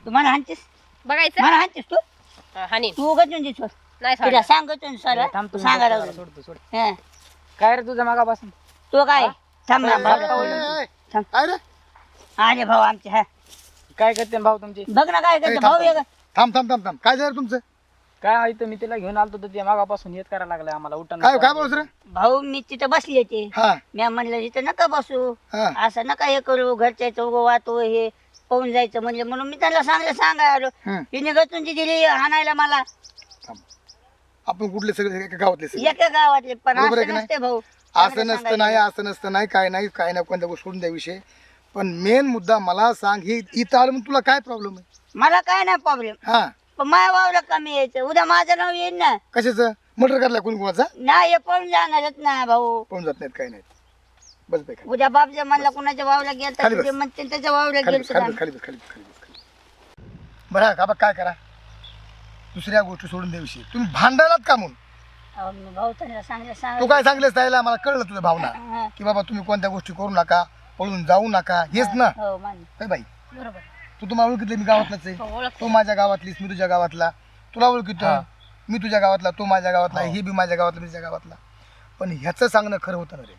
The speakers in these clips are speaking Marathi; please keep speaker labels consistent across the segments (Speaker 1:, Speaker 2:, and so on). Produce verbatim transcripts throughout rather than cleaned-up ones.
Speaker 1: तू मला हाणतीस
Speaker 2: बघायचं
Speaker 1: मला हाणतीस तू
Speaker 2: हा, हानी
Speaker 1: तू उगाच म्हणजे सोड
Speaker 2: नाही
Speaker 1: तिला
Speaker 2: सोडणार.
Speaker 1: सांगतो ना सर
Speaker 3: थांब तू
Speaker 1: सांगायला
Speaker 3: सोड,
Speaker 1: लागलो.
Speaker 3: सोड तू, सोड.
Speaker 1: हं.
Speaker 3: काय रे तुझ्या मागापासून
Speaker 1: तो काय थांब ना भाऊ थांब.
Speaker 4: काय रे
Speaker 1: आले भाऊ आमचे हा
Speaker 3: काय करते भाऊ तुमची
Speaker 1: बघ ना काय
Speaker 4: ए,
Speaker 1: करते
Speaker 4: थांब,
Speaker 1: भाऊ
Speaker 4: थांब.
Speaker 1: वेगळं
Speaker 4: थांब थांब थांब थांब काय झालं तुमचं
Speaker 3: काय आहे तर मी तिला घेऊन आलतो तर त्या मागापासून येत करायला लागलाय आम्हाला उठण
Speaker 4: काय काय बोलस रे
Speaker 1: भाऊ मी तिथं बसली होती
Speaker 4: हा
Speaker 1: मी म्हणलं तिथं नका बसू
Speaker 4: हा
Speaker 1: असं नका हे करू घरच्या चौघ वाहतो हे पाहून जायचं म्हणजे म्हणून मी त्याला सांगलं सांगाय आलो
Speaker 4: हं.
Speaker 1: तिने गचून ती दिली हाणायला मला
Speaker 4: थांब. आपण कुठले सगळे एका गावातले सगळे
Speaker 1: एका गावातले पण
Speaker 4: बरोबर आहे
Speaker 1: असं
Speaker 4: की नाही?
Speaker 1: नसते भाऊ
Speaker 4: असं नसतं नाही असं नसतं नाही काय नाही काय नाही कोणत्या गोष्ट सोडून द्या विषय पण मेन मुद्दा मला सांग हे इथं आलं म्हणून तुला काय प्रॉब्लेम आहे
Speaker 1: मला काय नाही प्रॉब्लेम
Speaker 4: हा
Speaker 1: पण माझ्या भाऊला कमी यायचं उद्या माझं नाव येईल ना
Speaker 4: कशाचं मर्डर करला कोणी कोणाचा
Speaker 1: नाही हे पळून जाणारच ना भाऊ
Speaker 4: पळून जात नाहीत काही नाही बस बाई खाली
Speaker 1: उद्या बाप जर म्हणला कुणाच्या भाऊला गेल
Speaker 4: खाली
Speaker 1: तर
Speaker 4: बस.
Speaker 1: ते म्हणते त्याच्या भाऊला
Speaker 4: खाली
Speaker 1: गेल
Speaker 4: बस, खाली बस, खाली बस, खाली बस, खाली बस, खाली बस. बरं का बघ काय करा दुसऱ्या गोष्टी सोडून द्या विषय तुम्ही भांडायलात का म्हणून
Speaker 1: भाऊ त्यांना सांगलं
Speaker 4: तू
Speaker 1: सांग
Speaker 4: काय सांगलेस त्याला मला कळलं तुझ्या भावना की बाबा तुम्ही कोणत्या गोष्टी करू नका पळून जाऊ नका हेच ना
Speaker 1: हो मान
Speaker 4: काय बाई
Speaker 2: बरोबर
Speaker 4: तू तुम्हाला ओळखितलं मी गावातलाच आहे
Speaker 2: हो, ओळख
Speaker 4: तू माझ्या गावातलीस मी तुझ्या गावातला तुला ओळखितो
Speaker 3: हा.
Speaker 4: मी तुझ्या गावातला तू माझ्या गावातला
Speaker 3: हो.
Speaker 4: हे बी माझ्या गावातला मी तुझ्या गावातला पण ह्याचं सांगणं खरं होतं ना रे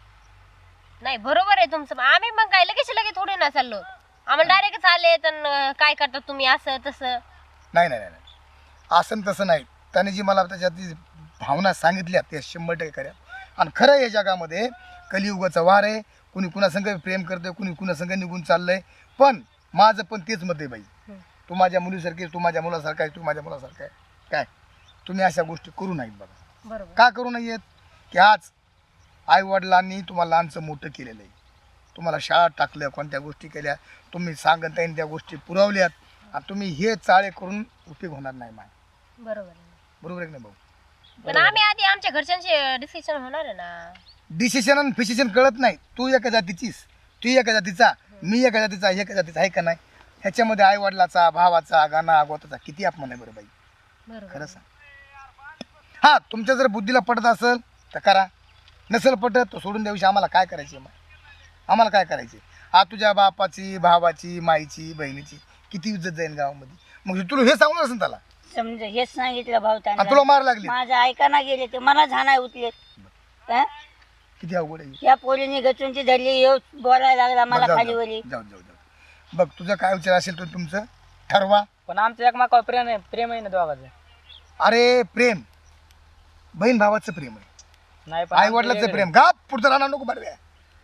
Speaker 2: नाही बरोबर आहे तुमचं आम्ही मग काय लगेच लगेच थोडी ना चाललो आम्हाला डायरेक्ट आले तर काय करतात तुम्ही असं तसं
Speaker 4: नाही नाही नाही नाही. असं न तसं नाही त्याने जी मला त्याच्यात जी भावना सांगितल्या त्या शंभर टक्के खऱ्या आणि खरं या जगामध्ये कलियुगाचा वार आहे कुणी कुणासंग प्रेम करतंय कुणी कुणासंग निघून चाललंय पण माझं पण तेच मत आहे बाई तू माझ्या मुलीसारखी तू माझ्या मुलासारखा आहे तू माझ्या मुलासारखा आहे काय तुम्ही अशा गोष्टी करू नाहीत बघा
Speaker 2: बरोबर
Speaker 4: का करू नयेत की आज आई वडिलांनी तुम्हाला लहानचं मोठं केलेलं आहे तुम्हाला शाळा टाकल्या कोणत्या गोष्टी केल्या तुम्ही सांगत आहे त्या गोष्टी पुरवल्यात आणि तुम्ही हे चाळे करून उपयोग होणार नाही माय
Speaker 2: बरोबर आहे.
Speaker 4: बरोबर आहे की नाही भाऊ
Speaker 2: पण आम्ही आधी आमच्या घरच्यांशी डिसिजन होणार आहे ना
Speaker 4: डिसिशन आणि फिसिशन कळत नाही तू एका जातीचीस तू एका जातीचा मी एका जातीचा एका जातीचा आहे का नाही ह्याच्यामध्ये आई वडिलाचा भावाचा गाणा गोताचा किती अपमान आहे बरं बाई
Speaker 2: बरोबर
Speaker 4: खरं सांग हां तुमच्या जर बुद्धीला पटत असेल तर करा नसेल पटत तर सोडून द्याविषयी आम्हाला काय करायचे मग आम्हाला काय करायचे हा तुझ्या बापाची भावाची माईची बहिणीची किती इज्जत जाईल गावामध्ये मग तुला हे सांगून असेल त्याला
Speaker 1: समजा हेच सांगितलं भाऊ
Speaker 4: आणि
Speaker 1: त्यांना
Speaker 4: तुला मार लागली
Speaker 1: माझं ऐकाना गेले ते मला झाणाय उठले हं?
Speaker 4: किती अवघड आहे
Speaker 1: या पोरीने गचूनची धरली येऊ बोलायला लागला मला
Speaker 4: जाऊ,
Speaker 1: खाली
Speaker 4: जाऊ,
Speaker 1: वरी
Speaker 4: जाऊ जाऊ जाऊ बघ तुझं काय विचार असेल तर तुमचं ठरवा
Speaker 3: पण आमचं एकमेकावर प्रेम आहे प्रेम आहे ना दोघांचं
Speaker 4: अरे प्रेम बहीण भावाचं प्रेम आहे
Speaker 3: नाही पण
Speaker 4: आई
Speaker 3: आमचं
Speaker 4: वडिलाचं
Speaker 3: वेगळं
Speaker 4: प्रेम गाप पुढचं राहणार नको बरं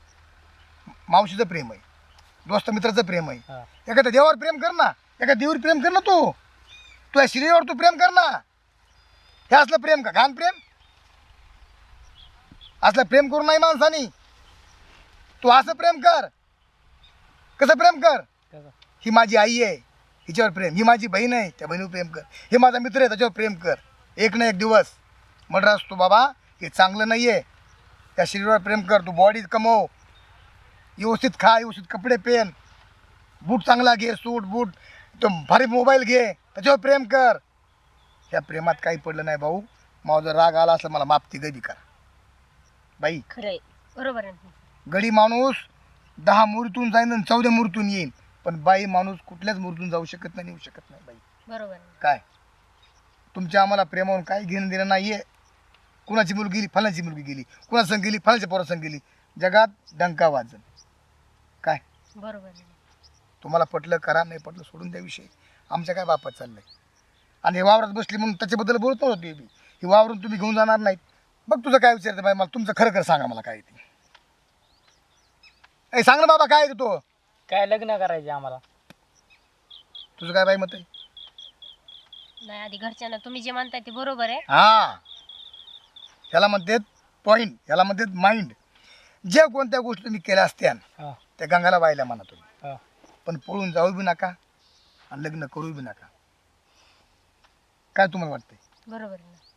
Speaker 4: मावशीचं प्रेम आहे दोस्त मित्राचं प्रेम आहे
Speaker 3: हा.
Speaker 4: एखाद्या देवावर प्रेम कर ना एका देवीवर प्रेम कर ना तू तू या शरीरावर तू प्रेम कर ना हे असलं प्रेम का घाण प्रेम असलं प्रेम करू नाही माणसानी तू असं प्रेम कर कसं प्रेम कर
Speaker 3: कसं?
Speaker 4: ही माझी आई आहे हिच्यावर प्रेम ही माझी बहीण आहे त्या बहिणीवर प्रेम कर हे माझा मित्र आहे त्याच्यावर प्रेम कर एक ना एक दिवस म्हटलं असतो बाबा हे चांगलं नाही आहे त्या शरीरावर प्रेम कर तू बॉडी कमव व्यवस्थित खा व्यवस्थित कपडे पेन बूट चांगला घे सूट बूट तो भारी मोबाईल घे त्याच्यावर प्रेम कर त्या प्रेमात काही पडलं नाही भाऊ माझा राग आला असला मला माफती गदी कर बाई
Speaker 1: खरंय
Speaker 2: बरोबर आहे.
Speaker 4: गडी माणूस दहा मुहूर्तून जाईन आणि चौद्या मुहूर्तून येईन पण बाई माणूस कुठल्याच मुहूर्तून जाऊ शकत नाही येऊ शकत नाही बाई
Speaker 2: बरोबर आहे.
Speaker 4: काय तुमच्या आम्हाला प्रेमावरून काही घेणं देणं नाही आहे कुणाची मुलगी गेली फलांची मुलगी गेली कुणासंग गेली फलांच्या पोरासंग गेली जगात डंका वाजन काय
Speaker 2: बरोबर आहे.
Speaker 4: तुम्हाला पटलं करा नाही पटलं सोडून द्या विषय आमच्या काय बापात चाललंय आणि हे वावरात बसली म्हणून त्याच्याबद्दल बोलत नव्हतं ते बी हे वावरून तुम्ही घेऊन जाणार नाहीत बघ तुझं काय विचारतं बाई मला तुमचं खरं खरं सांगा मला काय ते ए सांग ना बाबा काय आहे ते तो
Speaker 3: काय लग्न करायचे आम्हाला
Speaker 4: तुझं काय बाई मत आहे
Speaker 2: नाही आधी घरच्यांना तुम्ही जे म्हणताय ते बरोबर आहे.
Speaker 4: हा ह्याला म्हणतात पॉईंट ह्याला म्हणतात माइंड जे कोणत्या गोष्टी तुम्ही केल्या असत्या
Speaker 3: हा,
Speaker 4: त्या गंगाला वाहिल्या म्हणा तुम्ही
Speaker 3: हा.
Speaker 4: पण पळून जाऊ बी नका आणि लग्न करू बी नका काय तुम्हाला वाटतंय
Speaker 2: बरोबर आहे ना.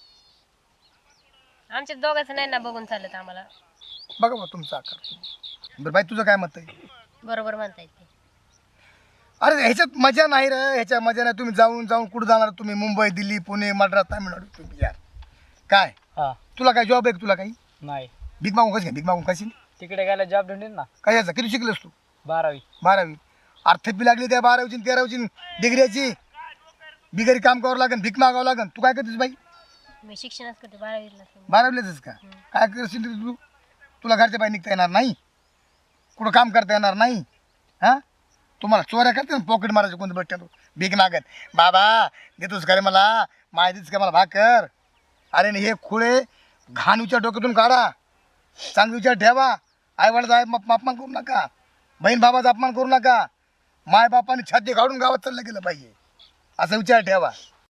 Speaker 2: आमच्या दोघांचं नाही ना बघून चालत आम्हाला.
Speaker 4: बघा बा तुमचा आकार बरं बाई तुझं काय मत आहे
Speaker 2: बरोबर म्हणताय ते.
Speaker 4: अरे ह्याच्यात मजा नाही रे ह्याच्या मजा नाही तुम्ही जाऊन जाऊन कुठं जाणार तुम्ही मुंबई दिल्ली पुणे मद्रास तामिळनाडू तुम्ही यार काय
Speaker 3: हा
Speaker 4: तुला काय जॉब आहे का तुला काही
Speaker 3: नाही
Speaker 4: भीक मागून कशी भीक मागून कशी
Speaker 3: तिकडे गेला जॉब ढूंढीन ना
Speaker 4: कशाचा किती शिकलेस तू
Speaker 3: बारावी
Speaker 4: बारावी अर्थपी लागली त्या बारावीची तेरावीची डिग्रीची बिगरी काम करावं लागेल भीक मागावं लागेल तू काय करतेस बाई
Speaker 2: मी शिक्षणच करते बारावीला
Speaker 4: बारावीलाच का काय करशील रे तू तुला घरच्या बाई निघता येणार नाही कुठं काम करता येणार नाही हां तुम्हाला चोऱ्या करते ना पॉकेट मारायचं कोणतं बट्ट्या तू भीक मागत बाबा देतोस का रे मला माहितीच का मला भाकर अरे हे खुळे घाणूच्या डोक्यातून काढा चांगली विचार ठेवा आईवडिलाचा अपमान करू नका बहीण बाबाचा अपमान करू नका माय बापाने छाती काढून गावात चाललं गेलं पाहिजे असा विचार ठेवा